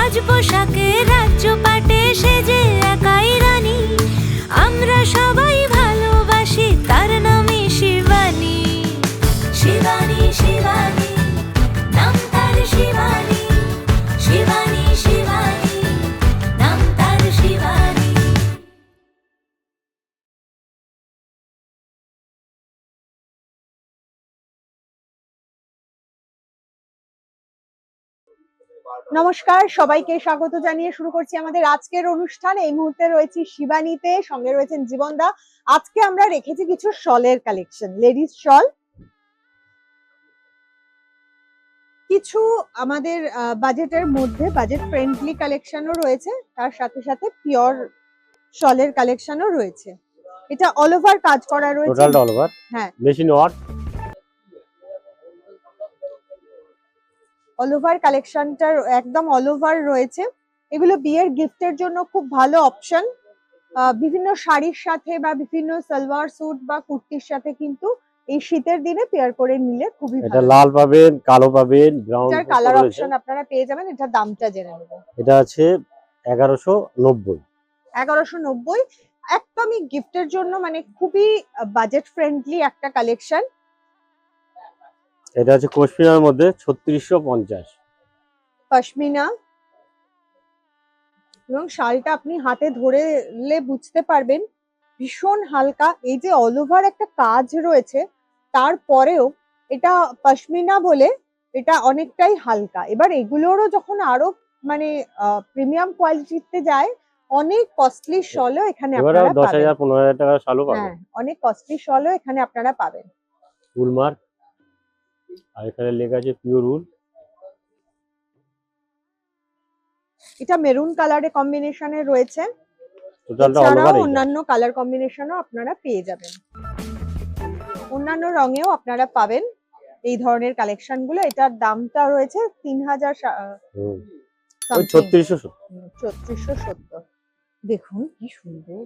সাজ পোশাকে রাজ্য পাটে সেজে একাই রানী, আমরা সবাই ভালোবাসি তার নামই শিবানী। শিবানী শিবানী নাম তার শিবানী, শিবানী শিবানী নাম তার শিবানী। নমস্কার, সবাইকে স্বাগত জানিয়ে শুরু করছি আমাদের আজকের অনুষ্ঠান। এই মুহূর্তে রয়েছি শিবানীতে, সঙ্গে রয়েছেন জীবনদা। আজকে আমরা রেখেছি কিছু শলের কালেকশন, লেডিস শল, কিছু আমাদের বাজেটের মধ্যে বাজেট ফ্রেন্ডলি কালেকশনও রয়েছে, তার সাথে সাথে পিওর শলের কালেকশনও রয়েছে। এটা অল ওভার কাজ করা রয়েছে, টোটালটা অল ওভার। হ্যাঁ, মেশিন ওয়ার্ক। অল ওভার কালেকশনটা একদম অল ওভার রয়েছে। এগুলো বিয়ের গিফটের জন্য খুব ভালো অপশন। বিভিন্ন শাড়ির সাথে বা বিভিন্ন সালোয়ার স্যুট বা কুর্তির সাথে কিন্তু এই শীতের দিনে পেয়ার করে নিলে খুবই ভালো। এটা লাল পাবেন, কালো পাবেন, ব্রাউন এটার কালার অপশন আপনারা পেয়ে যাবেন। এটার দামটা জেনে নেব। এটা আছে 1190। 1190 একদমই গিফটের জন্য, মানে খুবই বাজেট ফ্রেন্ডলি একটা কালেকশন। এটা আছে পশমিনার মধ্যে 3650। পশমিনা, এবং শালটা আপনি হাতে ধরলে বুঝতে পারবেন ভীষণ হালকা। এই যে অল ওভার একটা কাজ রয়েছে, তারপরেও এটা পশমিনা বলে এটা অনেকটাই হালকা। এবার এগুলোরও যখন আরো মানে প্রিমিয়াম কোয়ালিটিতে যায়, অনেক কস্টলি শলও এখানে এবারে আপনারা 10,000 পাবেন। 15,000 টাকা শালও পাবেন। হ্যাঁ, অনেক কস্টলি শলও এখানে আপনারা পাবেন। উলমার্ক, আর এখানে লেখা আছে পিওর উল। এটা মেরুন কালারে কম্বিনেশনে রয়েছে, টোটালটা অল এছাড়াও ওভার। অন্যান্য কালার কম্বিনেশনও আপনারা পেয়ে যাবেন, অন্যান্য রঙেও আপনারা পাবেন এই ধরনের কালেকশন গুলো। এটার দামটা রয়েছে 3670। দেখুন কি সুন্দর,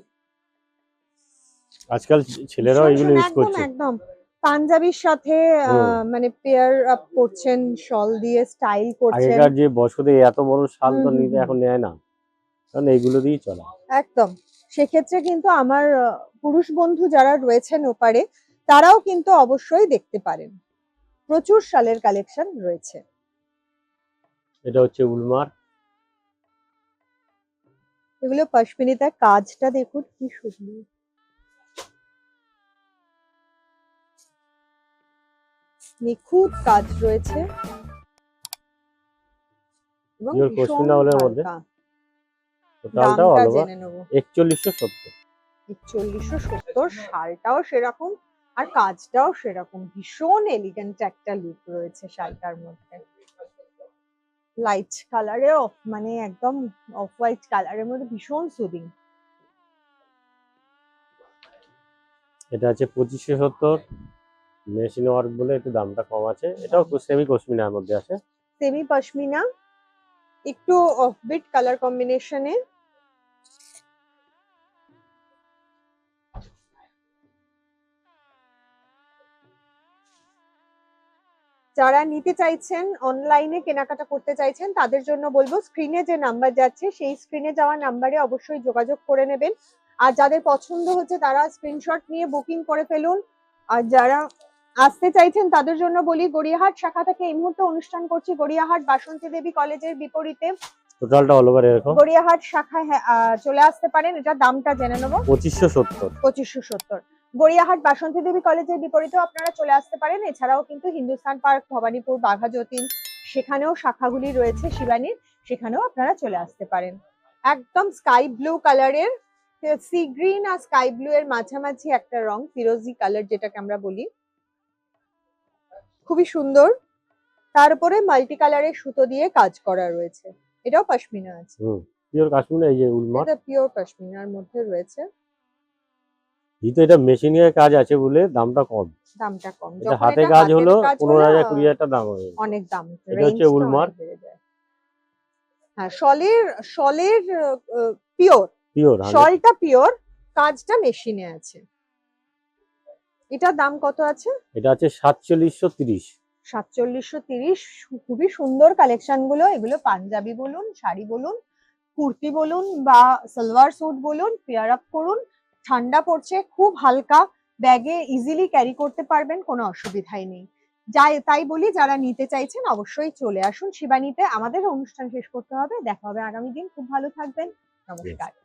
আজকাল ছেলেরাও এগুলো ইউজ একদম করছে। একদম পাঞ্জাবির সাথে মানে পেয়ার আপ করছেন, শল দিয়ে স্টাইল করছেন। আগেকার যে বয়স্কদের এত বড় শাল তো নিতে এখন নেয় না, কারণ এইগুলো দিয়েই চলে। একদম, সেক্ষেত্রে কিন্তু আমার পুরুষ বন্ধু যারা রয়েছেন ওপারে, তারাও কিন্তু অবশ্যই দেখতে পারেন। প্রচুর শালের কালেকশন রয়েছে। এটা হচ্ছে উলমার্ক। এগুলো পশমিনাতে কাজটা দেখুন কি সুন্দর, নিখুঁত কাজ রয়েছে এবং পিওর ভীষণ পশমিনা উলের মধ্যে। হালকা। টোটালটা দামটা অল ওভার জেনে নেব। 4170। 4170। শালটাও সেরকম আর কাজটাও সেরকম, ভীষণ এলিগেন্ট একটা লুক রয়েছে শালটার মধ্যে। লাইট কালারে মানে একদম অফ হোয়াইট কালারের মধ্যে ভীষণ সুদিং। এটা আছে 2570। মেশিন ওয়ার্ক বলে একটু দামটা কম আছে। এটাও সেমি পশমিনার মধ্যে আছে। সেমি পশমিনা, একটু অফবিট কালার কম্বিনেশনে। যারা নিতে চাইছেন, অনলাইনে কেনাকাটা করতে চাইছেন, তাদের জন্য বলবো স্ক্রিনে যে নাম্বার যাচ্ছে সেই স্ক্রিনে যাওয়া নাম্বারে অবশ্যই যোগাযোগ করে নেবেন। আর যাদের পছন্দ হচ্ছে তারা স্ক্রিনশট নিয়ে বুকিং করে ফেলুন। আর যারা আসতে চাইছেন তাদের জন্য বলি, গড়িয়াহাট শাখা থেকে এই মুহূর্তে অনুষ্ঠান করছি গড়িয়াহাট বাসন্তী দেবী কলেজের বিপরীতে। টোটালটা অল ওভার এরকম। গড়িয়াহাট শাখায় চলে আসতে পারেন। এটা দামটা জেনে নেবো। 2570। 2570। গড়িয়াহাট বাসন্তী দেবী কলেজের বিপরীতেও আপনারা চলে আসতে পারেন। এছাড়াও কিন্তু হিন্দুস্তান পার্ক, ভবানীপুর, বাঘা যতীন, সেখানেও শাখাগুলি রয়েছে শিবানীর, সেখানেও আপনারা চলে আসতে পারেন। একদম স্কাই ব্লু কালারের, সি গ্রিন আর স্কাই ব্লু এর মাঝামাঝি একটা রং, ফিরোজি কালার যেটাকে আমরা বলি, খুবই সুন্দর। তার উপরে মাল্টি কালারের সুতো দিয়ে কাজ করা রয়েছে। এটাও পশমিনা আছে। পিওর কাশ্মীর। এই যে উলমার্ক, এটা পিওর পশমিনার মধ্যে রয়েছে। যেহেতু এটা মেশিনের কাজ আছে বলে দামটা কম। দামটা কম, এটা যখন হাতে এটা কাজ হাতের হলো কাজ 15,000 হলো 20,000 দাম হবে। অনেক দাম, এটা হচ্ছে রেঞ্জটা উলমার্ক। অনেক বেড়ে যায়। হ্যাঁ, শলের পিওর, পিওর শলটা পিওর, কাজটা মেশিনে আছে। এটার দাম কত আছে? এটা আছে 4730। 4730, খুবই সুন্দর কালেকশন গুলো। এগুলো পাঞ্জাবি বলুন, শাড়ি বলুন, কুর্তি বলুন বা সালোয়ার স্যুট বলুন, পেয়ার আপ করুন। ঠান্ডা পড়ছে, খুব হালকা, ব্যাগে ইজিলি ক্যারি করতে পারবেন, কোনো অসুবিধাই নেই। তাই বলি যারা নিতে চাইছেন অবশ্যই চলে আসুন শিবানীতে। আমাদের অনুষ্ঠান শেষ করতে হবে, দেখা হবে আগামী দিন। খুব ভালো থাকবেন, নমস্কার।